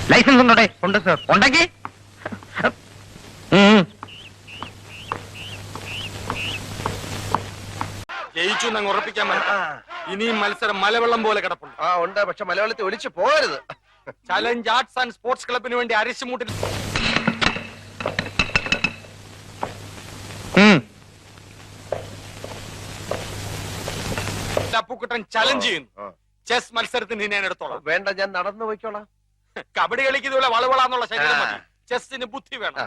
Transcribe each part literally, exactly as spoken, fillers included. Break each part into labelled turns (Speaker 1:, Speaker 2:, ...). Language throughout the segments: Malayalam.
Speaker 1: ലൈസൻസ് ഉണ്ടോടെ? ഉണ്ട് സർ. ഉണ്ടെങ്കിൽ
Speaker 2: ജയിച്ചു എന്നങ്ങ് ഉറപ്പിക്കാൻ പറ്റും. ഇനിയും മത്സരം മലവെള്ളം പോലെ കിടപ്പുണ്ട്.
Speaker 3: ആ ഉണ്ട്, പക്ഷെ മലയാളത്തിൽ ഒളിച്ചു പോകരുത്.
Speaker 2: ചലഞ്ച് ആർട്സ് ആൻഡ് സ്പോർട്സ് ക്ലബിന് വേണ്ടി അരിശുമൂട്ടിൽ അപ്പുക്കുട്ടൻ ചലഞ്ച് ചെയ്യുന്നു. ചെസ് മത്സരത്തിന് ഞാൻ എടുത്തോളാം.
Speaker 3: വേണ്ട, ഞാൻ നടന്നു പോയിക്കോളാം.
Speaker 2: കബഡി കളിക്കുന്നതുപോലെ വളവളാന്നുള്ള ശരീരം മതി. ചെസ്സിന് ബുദ്ധി വേണം.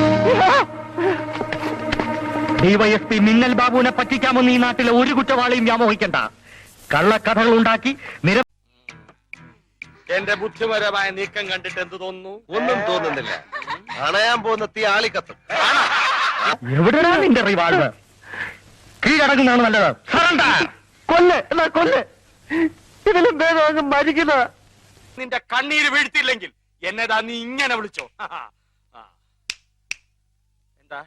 Speaker 1: ഡിവൈഎസ്പി മിന്നൽ ബാബുവിനെ പറ്റിക്കാമെന്ന് ഈ നാട്ടിലെ ഒരു കുറ്റവാളിയും വ്യാമോഹിക്കണ്ട. കള്ളക്കഥകൾ ഉണ്ടാക്കി നിര
Speaker 2: എന്റെ ബുദ്ധിപരമായ നീക്കം കണ്ടിട്ട് എന്ത് തോന്നുന്നു?
Speaker 3: ഒന്നും തോന്നുന്നില്ല. അണയാൻ പോകുന്ന തീ ആളിക്കത്തും.
Speaker 1: എവിടെയാ നിന്റെ റിവാൾവർ? കീഴടങ്ങുന്നതാണ് നല്ലത്. കൊല്ല് എന്നാ കൊല്ല്. ഇതിലും ഭേദം മരിക്കുന്ന.
Speaker 2: നിന്റെ കണ്ണീര് വീഴ്ത്തിയില്ലെങ്കിൽ എന്നതാ നീ ഇങ്ങനെ വിളിച്ചോ? എന്താ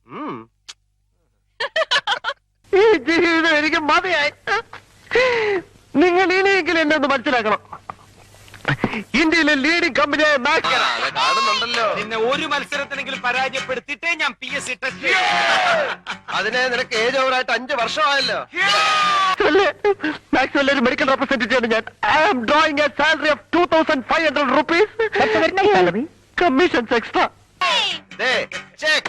Speaker 1: ഈ ജീവിതം എനിക്ക് മതിയായി. നിങ്ങൾ ഇനിയെങ്കിലും എന്നെ ഒന്ന് മനസ്സിലാക്കണം. ഇന്ത്യയിലെ ലീഡിംഗ് കമ്പനിയായ
Speaker 3: കാണുന്നുണ്ടല്ലോ.
Speaker 2: നിന്നെ ഒരു മത്സരത്തിനെങ്കിലും പരാജയപ്പെടുത്തിയിട്ടേ ഞാൻ പി എസ് സി ടെസ്റ്റ്.
Speaker 3: അതിനെ നിനക്ക് ഏജ് ഓവറായിട്ട് അഞ്ചു വർഷമായല്ലോ.
Speaker 1: മാക്സ്വെൽ ഒരു മെഡിക്കൽ റെപ്രസെന്റേറ്റീവ് ഞാൻ. I am drawing a salary of two thousand five hundred rupees. Commissions extra.
Speaker 3: Check.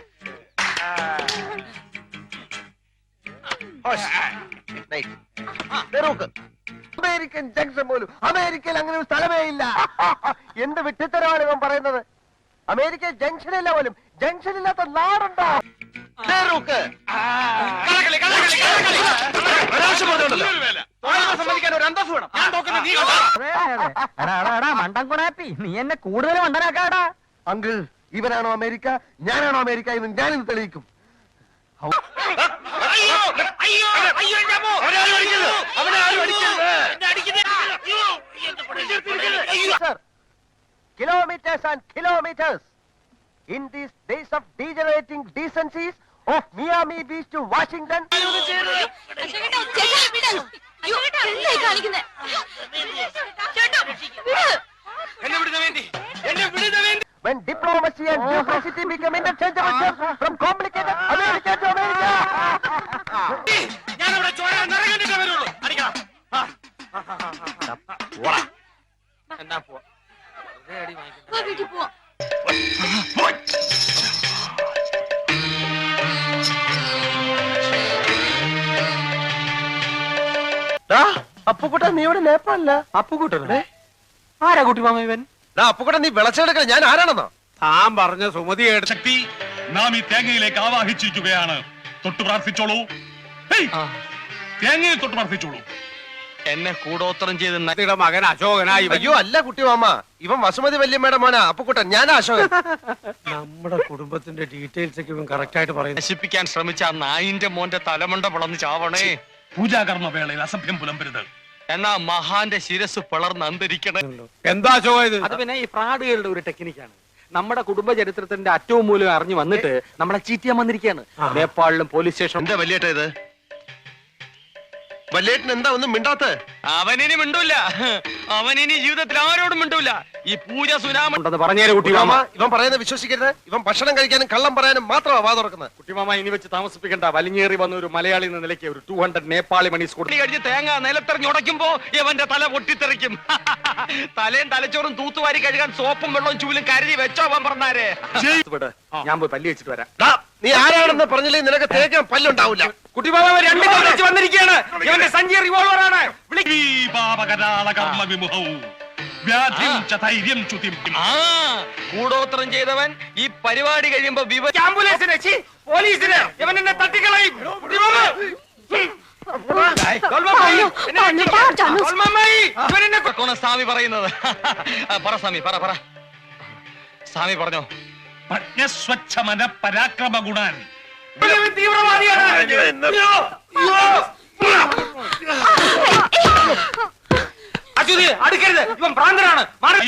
Speaker 1: American junction പോലും അമേരിക്കയിൽ അങ്ങനെ ഒരു സ്ഥലമേ ഇല്ല. എന്ത് വിട്ടിത്തരമാണ് ഇവൻ പറയുന്നത്? അമേരിക്ക ജംഗ്ഷനില്ല പോലും. ജംഗ്ഷൻ ഇല്ലാത്ത നാടുണ്ടോ?
Speaker 4: മണ്ടൻകുണാപ്പി, നീ എന്നെ കൂടുതൽ മണ്ടനാക്കാടാ.
Speaker 1: അങ്കിൾ, ഇവനാണോ അമേരിക്ക, ഞാനാണോ അമേരിക്ക എന്ന് ഞാനിന്ന് തെളിയിക്കും. Kilometers and kilometers in these days of degenerating decencies of Miami Beach to Washington. When diplomacy and duplicity become interchangeable terms from complicated America to America.
Speaker 2: എന്താ പോ
Speaker 3: അപ്പുക്കുട്ടൻ, നീ ഇവിടെ നേപ്പാളില്ല?
Speaker 2: അപ്പുകൂട്ടനെ ആരാ കുട്ടി മാമ ഇവൻ?
Speaker 3: അപ്പുക്കുട്ടൻ, നീ വിളച്ചെടുക്കണ ഞാൻ ആരാണെന്നോ?
Speaker 2: താൻ പറഞ്ഞ സുമതി
Speaker 5: ശക്തി നാം ഈ തേങ്ങയിലേക്ക് ആവാഹിച്ചിരിക്കുകയാണ്. തൊട്ടു പ്രാർത്ഥിച്ചോളൂ. തേങ്ങയെ തൊട്ട് പ്രാർത്ഥിച്ചോളൂ.
Speaker 2: എന്നെ കൂടോത്രം ചെയ്ത് നദിയുടെ മകൻ അശോകനായി.
Speaker 3: അയ്യോ അല്ല കുട്ടി മാമ, ഇവൻ വസുമതി വല്യമ്മയുടെ മോനാ അപ്പുക്കുട്ടൻ. ഞാൻ അശോകൻ.
Speaker 2: നമ്മുടെ കുടുംബത്തിന്റെ ഡീറ്റെയിൽസ് ഒക്കെ ഇവൻ കറക്റ്റ് ആയിട്ട് പറയും. നശിപ്പിക്കാൻ ശ്രമിച്ച ആ നായിന്റെ മോന്റെ തലമണ്ട പിളർന്ന് ചാവണേ.
Speaker 5: പൂജാകർമ്മ വേളയിൽ അസഭ്യം പുലമ്പരുത്.
Speaker 2: എന്നാ മഹാന്റെ ശിരസ് പിളർന്ന് അന്തരിക്കണേ.
Speaker 6: എന്താ അശോക?
Speaker 2: അത് പിന്നെ ഈ ഫ്രാഡുകളുടെ ഒരു ടെക്നിക്കാണ്. നമ്മുടെ കുടുംബ ചരിത്രത്തിന്റെ അറ്റവും മൂലം അറിഞ്ഞു വന്നിട്ട് നമ്മളെ ചീറ്റിയാൻ വന്നിരിക്കുകയാണ്. നേപ്പാളിലും പോലീസ് സ്റ്റേഷൻ.
Speaker 3: എന്താ വല്യേട്ട ഇത്? വല്യേട്ടൻ എന്താ ഒന്നും മിണ്ടാത്ത?
Speaker 2: അവനിനി മിണ്ടൂല. അവനിനി ജീവിതത്തിൽ ആരോടും മിണ്ടൂല. ഈ പൂജ സുനാമുണ്ടെന്ന് പറഞ്ഞേരെ കുട്ടി
Speaker 3: മാമ.
Speaker 2: മാമ.
Speaker 3: ഇവൻ പറയുന്നത് വിശ്വസിക്കരുത്. ഇവൻ ഭക്ഷണം കഴിക്കാനും കള്ളം പറയാനും മാത്രമാ വാ തുറക്കുന്നത്.
Speaker 2: കുട്ടിമാമ, ഇനി വെച്ച് താമസിപ്പിക്കണ്ട. വലിഞ്ഞേറി വന്ന ഒരു മലയാളി എന്ന നിലയ്ക്ക് ഒരു ടൂ ഹൺഡ്രഡ് നേപ്പാളി മണീസ് കൊടുത്തു കഴിഞ്ഞ് തേങ്ങ നിലത്തെറിഞ്ഞുടയ്ക്കുമ്പോ ഇവന്റെ തല പൊട്ടിത്തെറിക്കും. തലയും തലച്ചോറും തൂത്തുവാരി കഴുകാൻ സോപ്പും വെള്ളവും ചൂലും കരുതി വെച്ചോ അവൻ പറഞ്ഞാരേ. ഞാൻ പോയി പല്ലി വെച്ചിട്ട് വരാം.
Speaker 3: നീ ആരാണെന്ന് പറഞ്ഞില്ലേ നിനക്ക് തേക്കാൻ പല്ലുണ്ടാവില്ല.
Speaker 2: കുട്ടിമാമ രണ്ടു വെച്ച് വന്നിരിക്കുകയാണ്. ഇവന്റെ സഞ്ചി റിവോൾവർ ആണ്. കൂടോത്രം ചെയ്തവൻ ഈ പരിപാടി കഴിയുമ്പോ ആംബുലൻസിന് പോലീസിന് ഇവൻ എന്നെ തട്ടിക്കളയും. സ്വാമി പറയുന്നത് പറ സ്വാമി, പറ പറ സ്വാമി പറഞ്ഞോ.
Speaker 5: പ്രജ്ഞസ്വച്ഛമന പരാക്രമ ഗുണാൻ.
Speaker 2: തീവ്രവാദിയാണ്. അടുക്കരുത്, ഇവൻ ഭ്രാന്തനാണ്.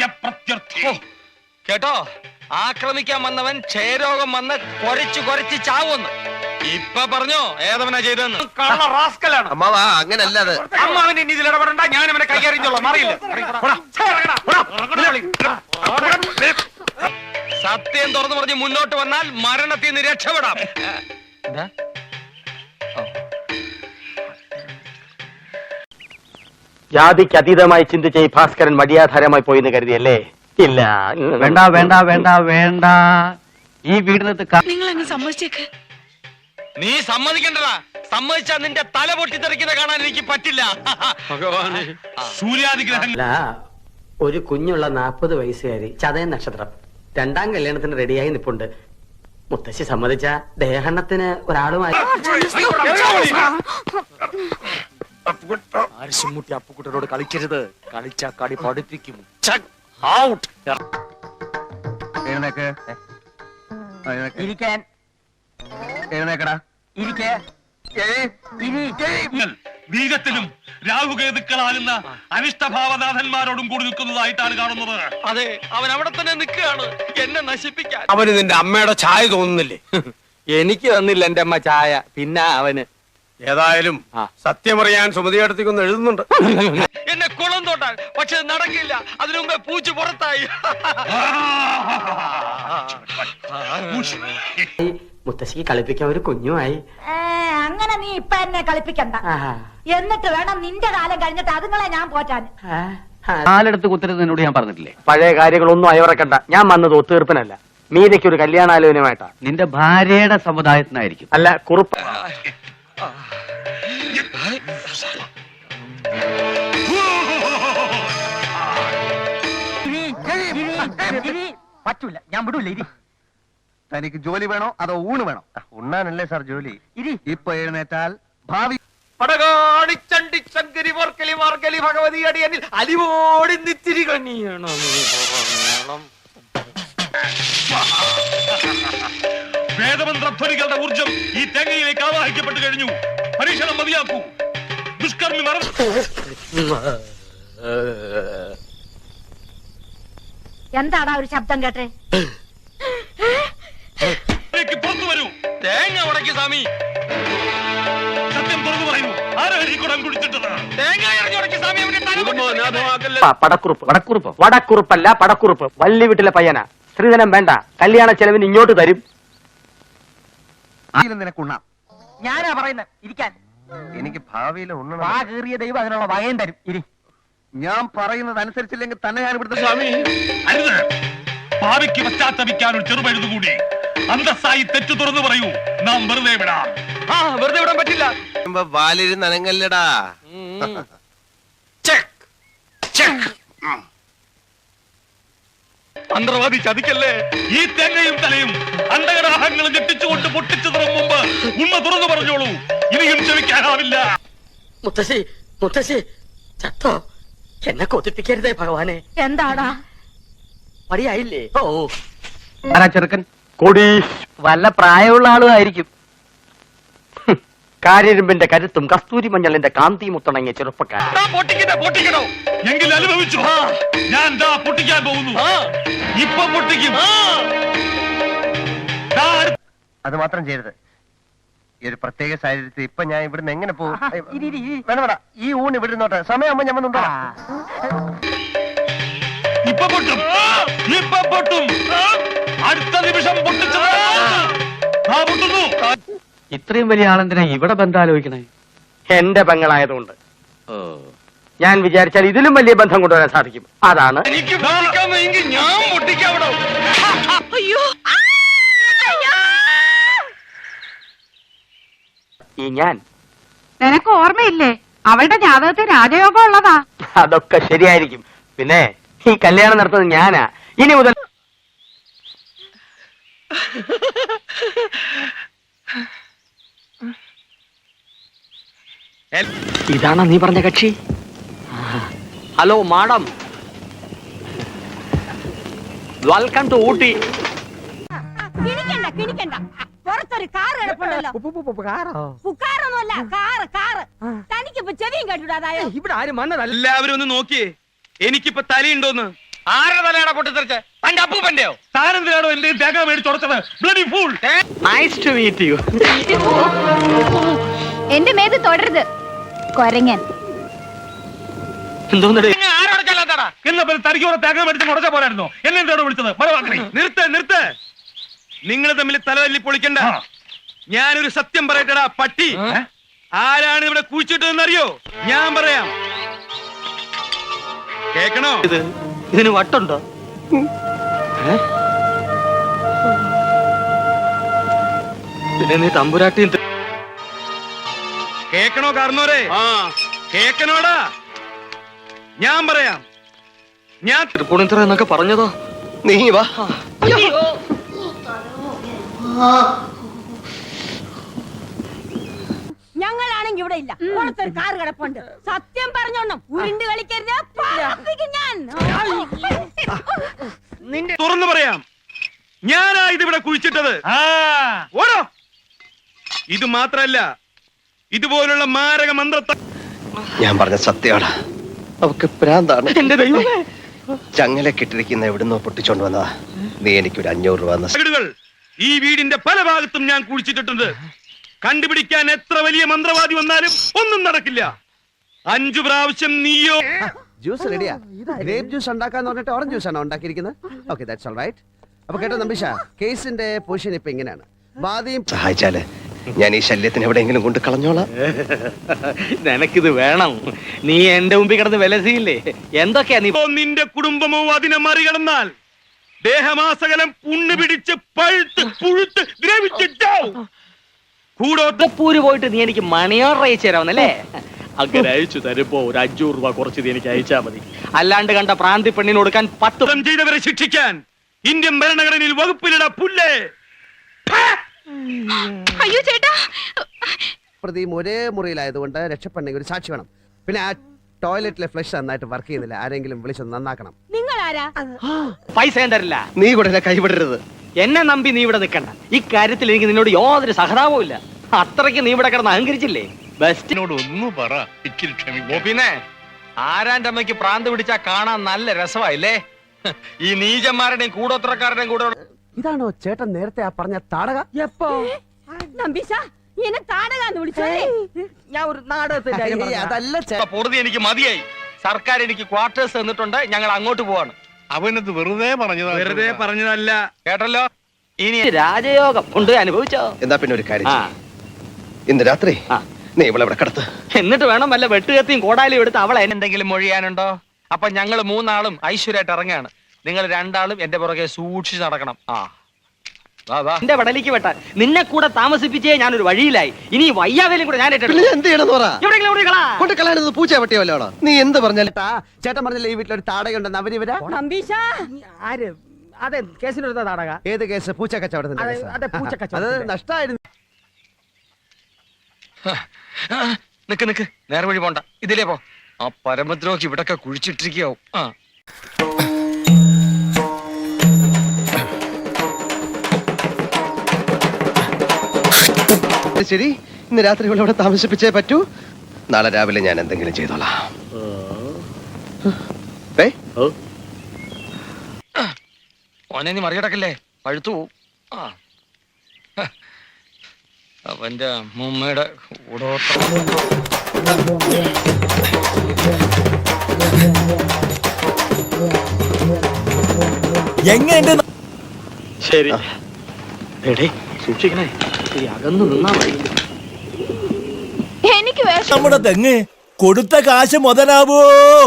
Speaker 2: കേട്ടോ, ആക്രമിക്കാൻ വന്നവൻ ക്ഷയരോഗം വന്ന് കൊരച്ചു കൊരച്ച് ചാവുന്നു. ഇപ്പൊ പറഞ്ഞോ ഏതവനാ ചെയ്തെന്ന്? കള്ള റാസ്കലാണ്.
Speaker 3: അമ്മാവാ, അങ്ങനല്ലാതെ.
Speaker 2: അമ്മാവൻ ഇനി ഇതിൽ ഇടപെടണ്ട. ഞാൻ അവനെ കൈകാര്യം ചെയ്തോളാം. അറിയില്ല. സത്യം തുറന്നു പറഞ്ഞ് മുന്നോട്ട് വന്നാൽ മരണത്തിൽ നിന്ന് രക്ഷപ്പെടാം.
Speaker 4: ജാതിക്ക് അതീതമായി ചിന്തിച്ച ഈ ഭാസ്കരൻ മടിയാധാരമായി പോയിന്ന് കരുതിയല്ലേ? ഇല്ല.
Speaker 6: വേണ്ട വേണ്ട വേണ്ട വേണ്ട ഈ വീടിനകത്ത് ക-
Speaker 7: നിങ്ങൾ അങ്ങ് സമ്മതിച്ചേക്ക്.
Speaker 2: നീ സമ്മതിക്കണ്ടടാ. സമ്മതിച്ചാ നിന്റെ തല പൊട്ടിത്തെറിക്കുന്ന കാണാൻ എനിക്ക് പറ്റില്ല. ഭഗവാനെ.
Speaker 5: സൂര്യാതിഗ്രഹം
Speaker 8: അല്ല, ഒരു കുഞ്ഞുള്ള നാൽപ്പത് വയസ്സുകാരി ചതയൻ നക്ഷത്രം രണ്ടാം കല്യാണത്തിന് റെഡിയായി നിപ്പുണ്ട്. മുത്തശ്ശി സമ്മതിച്ച ദേഹണ്ണത്തിന് ഒരാളുമായി
Speaker 4: ആർശുമുട്ടി അപ്പുക്കുട്ടനോട് കളിക്കരുത്. കളിച്ചാ കളി പഠിപ്പിക്കും.
Speaker 1: എഴുന്നേക്ക്.
Speaker 4: ഇരിക്കാൻ.
Speaker 1: എഴുന്നേക്കടാ.
Speaker 4: ഇരിക്കേ.
Speaker 5: ബീജത്തിലും രാഹുകേതുക്കളാകുന്ന അനിഷ്ടഭാവനാഥന്മാരോടും കൂടി നിൽക്കുന്നതായിട്ടാണ് കാണുന്നത്.
Speaker 2: അതെ, അവൻ അവിടെ തന്നെ നിൽക്കുകയാണ് എന്നെ നശിപ്പിക്കാൻ.
Speaker 3: അവന് നിന്റെ അമ്മയുടെ ചായ തോന്നുന്നില്ലേ?
Speaker 4: എനിക്ക് തന്നില്ല എന്റെ അമ്മ ചായ. പിന്നെ അവന്
Speaker 3: ഏതായാലും സത്യമറിയാൻ സുമതിയടത്തേക്കൊന്ന് എഴുതുന്നുണ്ട്.
Speaker 2: എന്നെ കുളം തോട്ടാൻ, പക്ഷെ നടക്കില്ല. അതിനു മുമ്പേ പൂച്ചു പുറത്തായി.
Speaker 8: മുത്തശ്ശിക്ക് കളിപ്പിക്കാൻ ഒരു കുഞ്ഞുമായി.
Speaker 9: ഏ, അങ്ങനെ നീ ഇപ്പൊ എന്നെ കളിപ്പിക്കണ്ട.
Speaker 8: ആഹാ.
Speaker 9: എന്നിട്ട് വേണം നിന്റെ കാലം കഴിഞ്ഞിട്ട് അതുങ്ങളെ ഞാൻ പോറ്റാൻ.
Speaker 8: ആ, ആ.
Speaker 6: കാലെടുത്ത് കുത്തരുത് എന്നോട് ഞാൻ പറഞ്ഞിട്ടില്ലേ?
Speaker 4: പഴയ കാര്യങ്ങളൊന്നും അയവറക്കണ്ട. ഞാൻ വന്നത് ഒത്തീർപ്പിനല്ല, മീരയ്ക്ക് ഒരു കല്യാണാലോചനയുമായിട്ടാ.
Speaker 6: നിന്റെ ഭാര്യയുടെ സമുദായത്തിനായിരിക്കും.
Speaker 4: അല്ല, കുറുപ്പ്.
Speaker 1: പറ്റൂല, ഞാൻ വിടൂല. ഇരി. തനിക്ക് ജോലി വേണോ അതോ ഊണ് വേണോ? ഉണ്ണാനല്ലേ സാർ ജോലി. ഇരി. ഇപ്പൊ എഴുന്നേറ്റാൽ ഭാവി
Speaker 2: പടകാടി ചണ്ടി ചങ്കരി വർക്കലി മാർഗലി ഭഗവതി അടിയനിൽ അലിവോടി നിത്തിരി കണിയണം.
Speaker 5: വേദമന്ത്രധ്വനികളുടെ ഊർജം ഈ തേങ്ങയിലേക്ക് ആവാഹിക്കപ്പെട്ടു കഴിഞ്ഞു. പരീക്ഷണം മതിയാക്കൂ. ദുഷ്കർമ്മി മറന്നു.
Speaker 9: എന്താടാ ഒരു ശബ്ദം കേട്ടെ?
Speaker 5: പുറത്തു വരൂ.
Speaker 2: തേങ്ങ ഉടക്കി സ്വാമി.
Speaker 5: സത്യം തുറന്നു പറയൂ. ആരാണ് ഈ കുടം കുടിച്ചിട്ടത്?
Speaker 2: തേങ്ങ ഇറങ്ങി സ്വാമി. അവന്റെ തല പൊട്ടിത്തെറിക്കല്ലേ.
Speaker 4: പ- പടക്കുറുപ്പ്. വടക്കുറുപ്പ് വടക്കുറുപ്പല്ല, പടക്കുറുപ്പ്. വള്ളി വീട്ടിലെ പയ്യനാ. സ്ത്രീധനം വേണ്ട, കല്യാണ ചെലവിന് ഇങ്ങോട്ട് തരും.
Speaker 1: നിനക്കുണ്ണാം.
Speaker 4: ഞാനാ പറയുന്നത് ഇരിക്കാൻ.
Speaker 1: എനിക്ക് ഭാവിയിൽ ഉണ്ണണം.
Speaker 4: വാ കീറിയ ദൈവം അതിനുള്ള വകയും തരും. ഇരി.
Speaker 1: ഞാൻ പറയുന്നത് അനുസരിച്ചില്ലെങ്കിൽ തന്നെ ഞാൻ ഇവിടുത്തെ
Speaker 5: സ്വാമി അരുത്. ഭാവിക്ക് പശ്ചാത്തപിക്കാൻ ഒരു ചെറുപഴുതുകൂടി. അന്തസ്സായി തെറ്റു തുറന്നു പറയൂ. നാം വെറുതെ വിടാം.
Speaker 2: ആ, വെറുതെ വിടാൻ പറ്റില്ല.
Speaker 3: വാലിരുന്ന് അനങ്ങല്ലടാ.
Speaker 2: മന്ത്രവാദി ചതിക്കല്ലേ.
Speaker 5: ഈ തേങ്ങയും തലയും അണ്ടകടാഹങ്ങളും ഞെട്ടിച്ചുകൊണ്ട് പൊട്ടിച്ചു തുറം മുമ്പ് ഉണ്മ തുറന്നു പറഞ്ഞോളൂ. ഇനിയും ക്ഷമിക്കാനാവില്ല.
Speaker 8: മുത്തശ്ശി മുത്തശ്ശി ചത്തോ? എന്നെ കൊതിപ്പിക്കരുതേ ഭഗവാനെ.
Speaker 9: എന്താടാ?
Speaker 8: മടിയായില്ലേ? ഓ,
Speaker 6: ആരാ ചെറുക്കൻ?
Speaker 4: കൊടീഷ്.
Speaker 6: വല്ല പ്രായമുള്ള ആളും ആയിരിക്കും.
Speaker 4: കാര്യരുമ്പിന്റെ കരുത്തും കസ്തൂരി മഞ്ഞളിന്റെ കാന്തി മുത്തണങ്ങിയ ചെറുപ്പക്കാരൻ.
Speaker 2: ആ, പൊട്ടിക്കട്ടെ, പൊട്ടിക്കണോ?
Speaker 5: എങ്കിൽ അനുഭവിച്ചു. ഞാൻ ദാ പൊട്ടിക്കാൻ പോകുന്നു. ഇപ്പൊ പൊട്ടിക്കും. ദാ അടുത്ത-
Speaker 1: അത് മാത്രം ചെയ്യരുത്. ഈ ഒരു പ്രത്യേക സാഹചര്യത്തിൽ ഇപ്പൊ ഞാൻ ഇവിടുന്ന് എങ്ങനെ പോകും?
Speaker 4: ഇരി, ഇരി, ഇരി.
Speaker 1: വേണ്ട വേണ്ട, ഈ ഊണ് ഇവിടെ നിന്നോട്ടെ. സമയമാകുമ്പോ ഞാൻ വന്നുണ്ടോ?
Speaker 5: ഇപ്പൊ പൊട്ടും. ഇപ്പൊ പൊട്ടും. അടുത്ത നിമിഷം പൊട്ടിച്ചത്. ആ പൊട്ടുന്നു.
Speaker 6: ഇത്രയും വലിയ ആളെന്തിനാ ഇവിടെ ബന്ധം ആലോചിക്കണേ?
Speaker 4: എന്റെ പെങ്ങളായതുകൊണ്ട്
Speaker 6: ഓ,
Speaker 4: ഞാൻ വിചാരിച്ചാൽ ഇതിലും വലിയ ബന്ധം കൊണ്ടുവരാൻ സാധിക്കും. അതാണ്
Speaker 2: എനിക്ക് പൊട്ടിക്കാൻ വയ്യെങ്കിൽ ഞാൻ പൊട്ടിക്കാവിടോ.
Speaker 7: അയ്യോ ആ! അയ്യോ!
Speaker 4: ഈ ഞാൻ.
Speaker 7: നിനക്ക് ഓർമ്മയില്ലേ അവളുടെ ജാതകത്തിൽ രാജയോഗം ഉള്ളതാ.
Speaker 4: അതൊക്കെ ശരിയായിരിക്കും. പിന്നെ ഈ കല്യാണം നടത്തുന്നത് ഞാനാ. ഇനി മുതൽ ഇതാണോ നീ പറഞ്ഞ കക്ഷി? Hello madam, welcome to Ooty.
Speaker 9: കിണിക്കണ്ട കിണിക്കണ്ട. പുറത്തൊരു കാർ കിടപ്പുണ്ടല്ലോ. പുക്കാറൊന്നുമല്ല, കാറ് കാറ്. തനിക്കിപ്പോ ചെവിയും കേട്ടുടാതായോ?
Speaker 4: ഇവിടെ ആരും വന്നതല്ല.
Speaker 2: എല്ലാവരും ഒന്ന് നോക്കിയേ. എനിക്കിപ്പോ തലയുണ്ടോന്ന്. ആരുടെ തലയാണോ പൊട്ടിത്തെറിച്ച്? തന്റെ അപ്പൂപ്പന്റെയോ?
Speaker 5: താനെന്തിനാണോ എന്റെ തേങ്ങ മേടിച്ചുടച്ചത്? Bloody fool.
Speaker 4: Nice to meet you.
Speaker 9: എന്റെ മേത് തൊടരുത് കൊരങ്ങൻ.
Speaker 4: എന്തോന്നടേ?
Speaker 2: ആരോടൊക്കെ എന്താടാ
Speaker 5: എന്നാ പിന്നെ തനിക്ക് കുറെ തേങ്ങ മേടിച്ച് മുടച്ച പോരായിരുന്നോ എന്നെ എന്താണ് വിളിച്ചത് മരവാക്കണേ
Speaker 2: നിർത്ത് നിർത്ത് നിങ്ങൾ തമ്മിൽ തലതല്ലി പൊളിക്കണ്ട ഞാനൊരു സത്യം പറയട്ടടാ പട്ടി ആരാണ് ഇവിടെ കുഴിച്ചിട്ടതെന്ന് അറിയോ ഞാൻ പറയാം കേക്കണോ
Speaker 4: ഇത് ഇതിന് വട്ടുണ്ടോ? പിന്നെ നീ തമ്പുരാട്ടിയും
Speaker 2: കേക്കണോ കാർന്നോരെ കേക്കണോടാ ഞാൻ പറയാം ഞാൻ
Speaker 4: തൃപ്പൂണിത്തറ എന്നൊക്കെ പറഞ്ഞതോ?
Speaker 1: നീ വാ.
Speaker 9: ഞങ്ങളാണെങ്കി ഇവിടെ ഇല്ല പുറത്തൊരു കാറ് കിടപ്പുണ്ട് സത്യം പറഞ്ഞോണം ഉരുണ്ട് കളിക്കരുത് പറപ്പിക്കും ഞാൻ
Speaker 2: തുറന്നു പറയാം ഞാനാ ഇതിവിടെ കുഴിച്ചിട്ടത് ഓടോ ഇത് മാത്രല്ല ഇതുപോലുള്ള മാരക മന്ത്രത്തെ
Speaker 1: ഞാൻ പറഞ്ഞ സത്യമാണ്. അവക്ക് പ്രാന്താണ്.
Speaker 4: എന്റെ ദൈവമേ,
Speaker 1: ചങ്ങല കെട്ടിരിക്കുന്ന എവിടുന്നോ പൊട്ടിച്ചോണ്ട് വന്നതാ. നീ എനിക്കൊരു അഞ്ഞൂറ് രൂപ തന്ന.
Speaker 2: വീടുകൾ ഈ വീടിന്റെ പല ഭാഗത്തും ഞാൻ കുഴിച്ചിട്ടിട്ടുണ്ട്. കണ്ടുപിടിക്കാൻ എത്ര വലിയ മന്ത്രവാദി വന്നാലും ഒന്നും നടക്കില്ല. അഞ്ചു പ്രാവശ്യം നീയോ
Speaker 3: ജ്യൂസ് റെഡിയാ. ഗ്രേപ്പ് ജ്യൂസ് ഉണ്ടാക്കാന്ന് പറഞ്ഞിട്ട് ഓറഞ്ച് ജ്യൂസ് ആണോ ഉണ്ടാക്കിയിരിക്കുന്നത്? Okay, that's all right. അപ്പൊ കേട്ടോ നമ്പീഷ, കേസിന്റെ പൊസിഷൻ ഇപ്പൊ ഇങ്ങനെയാണ്. വാദിയും
Speaker 1: സഹായിച്ചാല് ഞാൻ ഈ ശല്യത്തിന് എവിടെയെങ്കിലും കൊണ്ട് കളഞ്ഞോളാം.
Speaker 4: നിനക്കിത് വേണം. നീ എന്റെ മുമ്പിൽ കിടന്ന് വിലസിയില്ലേ? എന്തൊക്കെയാ നീ?
Speaker 2: ഇപ്പോ നിന്റെ കുടുംബമോ അതിനെ മറികടന്നാൽ ദേഹമാസകലം പുണ്ണ് പിടിച്ച് പഴുത്ത് പുഴുത്ത് ദ്രവിച്ചിട്ടാവും.
Speaker 4: പൂര് പോയിട്ട് നീ എനിക്ക് മണിയോർ അയച്ചു തരാമെന്നല്ലേ? അങ്ങനെ അയച്ചു തരുമ്പോ ഒരു അഞ്ഞൂറ് രൂപ കുറച്ച് നീ എനിക്ക് അയച്ചാ മതി. അല്ലാണ്ട് കണ്ട പ്രാന്തി പെണ്ണിന് കൊടുക്കാൻ പത്ത്
Speaker 2: കുറ്റം ചെയ്തവരെ ശിക്ഷിക്കാൻ ഇന്ത്യൻ ഭരണഘടനയിൽ വകുപ്പിലിട പുല്ലേ.
Speaker 7: അയ്യോ ചേട്ടാ,
Speaker 3: പ്രതിയും ഒരേ മുറിയിലായതുകൊണ്ട് രക്ഷപ്പെടണമെങ്കിൽ ഒരു സാക്ഷി വേണം. പിന്നെ ആ ടോയ്ലറ്റിലെ ഫ്ലഷ് നന്നായിട്ട് വർക്ക് ചെയ്യുന്നില്ല. ആരെങ്കിലും വിളിച്ചൊന്ന് നന്നാക്കണം.
Speaker 9: നിങ്ങൾ ആരാ?
Speaker 4: പൈസ ഞാൻ തരില്ല.
Speaker 1: നീ കൂടെ എന്നെ കൈവിടരുത്.
Speaker 4: എന്നെ നമ്പി നീ ഇവിടെ നിൽക്കണ്ട. ഈ കാര്യത്തിൽ എനിക്ക് നിന്നോട് യാതൊരു സഹതാപവും ഇല്ല. അത്രയ്ക്ക് നീ ഇവിടെ കിടന്ന് അഹങ്കരിച്ചില്ലേ? ബെസ്റ്റിനോട്
Speaker 5: ഒന്ന് പറ, ഇച്ചിരി ക്ഷമിക്കും.
Speaker 2: പിന്നെ ആരാന്റെ അമ്മയ്ക്ക് പ്രാന്ത് പിടിച്ചാ കാണാൻ നല്ല രസമായില്ലേ? ഈ നീചന്മാരുടെയും കൂടോത്രക്കാരുടെയും കൂടെ
Speaker 3: ഇതാണോ ചേട്ടൻ നേരത്തെ ആ പറഞ്ഞ താടക?
Speaker 9: എപ്പോ നമ്പീശ എന്നെ താടകാന്ന് വിളിച്ചേ?
Speaker 4: ഞാൻ ഒരു നാടകത്തിന്റെ കാര്യം
Speaker 3: ഏയ്,
Speaker 4: പറഞ്ഞതാ.
Speaker 3: അതല്ല ചേ-
Speaker 2: പൊറുതി എനിക്ക് മതിയായി. സർക്കാർ എനിക്ക് ക്വാർട്ടേഴ്സ് തന്നിട്ടുണ്ട്. ഞങ്ങൾ അങ്ങോട്ട് പോവാണ്.
Speaker 5: അവനത് വെറുതെ പറഞ്ഞതാ.
Speaker 2: വെറുതെ പറഞ്ഞതല്ല, കേട്ടല്ലോ. ഇനി
Speaker 4: രാജയോഗം കൊണ്ട് അനുഭവിച്ചോ?
Speaker 1: എന്താ പിന്നെ ഒരു കാര്യം
Speaker 4: ആ.
Speaker 1: ചെയ്യ്. ഇന്ന് രാത്രി
Speaker 4: ആ.
Speaker 1: നീ ഇവിടെ ഇവിടെ കിടത്ത്.
Speaker 4: എന്നിട്ട് വേണം വല്ല വെട്ടുകത്തിയും കോടാലിയും എടുത്ത് അവളെ
Speaker 2: എന്തെങ്കിലും മൊഴിയാനുണ്ടോ? അപ്പൊ ഞങ്ങൾ മൂന്നാളും ഐശ്വര്യമായിട്ട് ഇറങ്ങാണ്. നിങ്ങൾ രണ്ടാളും എന്റെ പുറകെ സൂക്ഷിച്ച് നടക്കണം. ആ വാ വാ.
Speaker 4: എന്റെ വടലിക്ക് വെട്ടാൻ നിന്നെ കൂടെ താമസിപ്പിച്ചേ ഞാനൊരു വഴിയിലായി. ഇനി ഈ വയ്യാവേലും കൂടെ ഞാൻ
Speaker 1: പിന്നെ
Speaker 4: ഏറ്റെടുക്കും.
Speaker 1: ഞാൻ എന്ത് ചെയ്യണമെന്ന് പറ.
Speaker 4: എവിടെയെങ്കിലും എവിടെ കളാ.
Speaker 1: കൊണ്ട് കളയാനത് പൂച്ച പട്ടിയല്ലോ. നീ എന്ത് പറഞ്ഞാലും
Speaker 3: ചേട്ടാ, ചേട്ടൻ പറഞ്ഞില്ല ഈ വീട്ടിലൊരു താടകയുണ്ടെന്ന്. അവരിവരാ
Speaker 9: നമ്പീശ
Speaker 4: ആര്? അതെ, കേസിനൊരു നാടക.
Speaker 3: ഏത് കേസ്? പൂച്ച കച്ചവടത്തിന്റെ
Speaker 4: അതെ,
Speaker 3: കേസാ?
Speaker 4: അതെ, പൂച്ച
Speaker 3: അത്
Speaker 4: കച്ചവടത്തിന്റെ.
Speaker 3: നഷ്ടമായിരുന്നു.
Speaker 2: നിക്ക് നിക്ക്, നേരെ വഴി പോണ്ട, ഇതിലേ പോ. ആ പരമദ്രോഹി ഇവിടൊക്കെ കുഴിച്ചിട്ടിരിക്കാവും. ആ
Speaker 1: ശരി, ഇന്ന് രാത്രി ഇവിടെ ഇവിടെ താമസിപ്പിച്ചേ പറ്റൂ. നാളെ രാവിലെ ഞാൻ എന്തെങ്കിലും ചെയ്തോളാം. ഏയ്,
Speaker 2: ഓനെ നീ മറികടക്കല്ലേ, പഴുത്തു പോവും. ആ ഹ. അവന്റെ മുമ്മയുടെ കൂടോത്രം.
Speaker 6: എങ്ങനെ
Speaker 4: ശരി. എടേ, സൂക്ഷിക്കണേ. ഈ അകന്നു നിന്നാ മതി.
Speaker 9: എനിക്ക് വേഷം
Speaker 6: നമ്മുടെ തെങ്ങ് കൊടുത്ത കാശ് മുതലാവോ?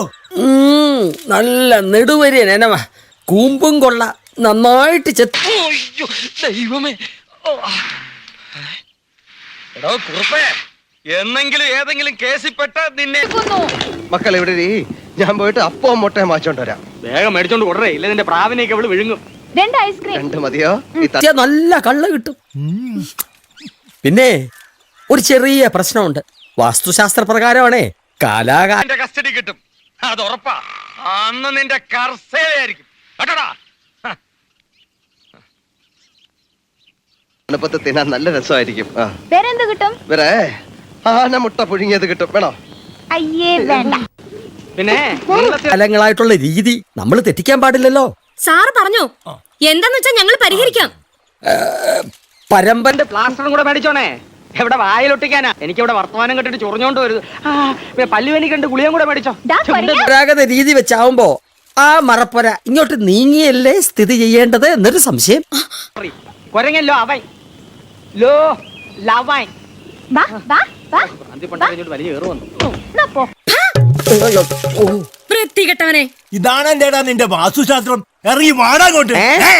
Speaker 8: നല്ല നെടുവരിയൻ എനവ കൂമ്പും കൊള്ള നന്നായിട്ട് ചെത്ത്.
Speaker 2: അയ്യോ, ദൈവമേ. ഓ. എടോ കുറുപ്പേ, എന്നെങ്കിലും ഏതെങ്കിലും കേസിൽപ്പെട്ട നിന്നെ
Speaker 1: മക്കൾ ഇവിടെ ഇരി. ഞാൻ പോയിട്ട് അപ്പവും മുട്ടയും വാങ്ങിച്ചോണ്ട് വരാം.
Speaker 4: വേഗം മേടിച്ചോണ്ട് കൊടറേ, ഇല്ല നിന്റെ പ്രാവിനെയൊക്കെ അവള് വിഴുങ്ങും.
Speaker 9: രണ്ട് ഐസ്ക്രീം.
Speaker 1: രണ്ട് മതിയോ? ഈ ത-
Speaker 8: ചെത്തിയാ നല്ല കള്ള് കിട്ടും. പിന്നെ ഒരു ചെറിയ പ്രശ്നമുണ്ട്. വാസ്തുശാസ്ത്ര പ്രകാരമാണേ കാലാകാല
Speaker 2: എന്റെ കസ്റ്റഡി കിട്ടും, അത് ഉറപ്പാ. അന്ന് നിന്റെ കർസേവയായിരിക്കും കേട്ടോടാ.
Speaker 1: തണുപ്പത്ത് തിന്നാൻ നല്ല രസമായിരിക്കും. ആ,
Speaker 9: വേറെന്ത് കിട്ടും?
Speaker 1: വേറെ ആന മുട്ട പുഴുങ്ങിയത് കിട്ടും. വേണോ?
Speaker 9: അയ്യേ വേണ്ട.
Speaker 4: പിന്നെ
Speaker 8: കാലങ്ങളായിട്ടുള്ള രീതി നമ്മൾ തെറ്റിക്കാൻ പാടില്ലല്ലോ.
Speaker 9: സാറ് പറഞ്ഞു എന്താന്ന് വെച്ചാ ഞങ്ങൾ പരിഹരിക്കാം.
Speaker 8: പരമ്പര
Speaker 4: പ്ലാസ്റ്ററും കൂടെ മേടിച്ചോണേ. എവിടെ വായിലൊട്ടിക്കാനാ? എനിക്ക് ഇവിടെ വർത്തമാനം കെട്ടിട്ട് ചൊറിഞ്ഞോണ്ട് വരുത്. ആ പല്ലുവേനി കണ്ട് ഗുളിയും കൂടെ മേടിച്ചോ.
Speaker 8: പരമ്പരാഗത രീതി വെച്ചാവുമ്പോ ആ മറപ്പൊര ഇങ്ങോട്ട് നീങ്ങിയല്ലേ സ്ഥിതി ചെയ്യേണ്ടത് എന്നൊരു സംശയം.
Speaker 4: കൊരങ്ങല്ലോ അവൻ ലോ ലവൻ
Speaker 9: വാ വാ വാ
Speaker 4: പ്രാന്തിപ്പണ്ടിട്ട് വലിയ ഏറ് വന്നു.
Speaker 9: എന്നാ പോ.
Speaker 10: ഇതാണ് എന്റേടാ നിന്റെ വാസ്തുശാസ്ത്രം. ഇറങ്ങി വാടാങ്ങോട്ട്.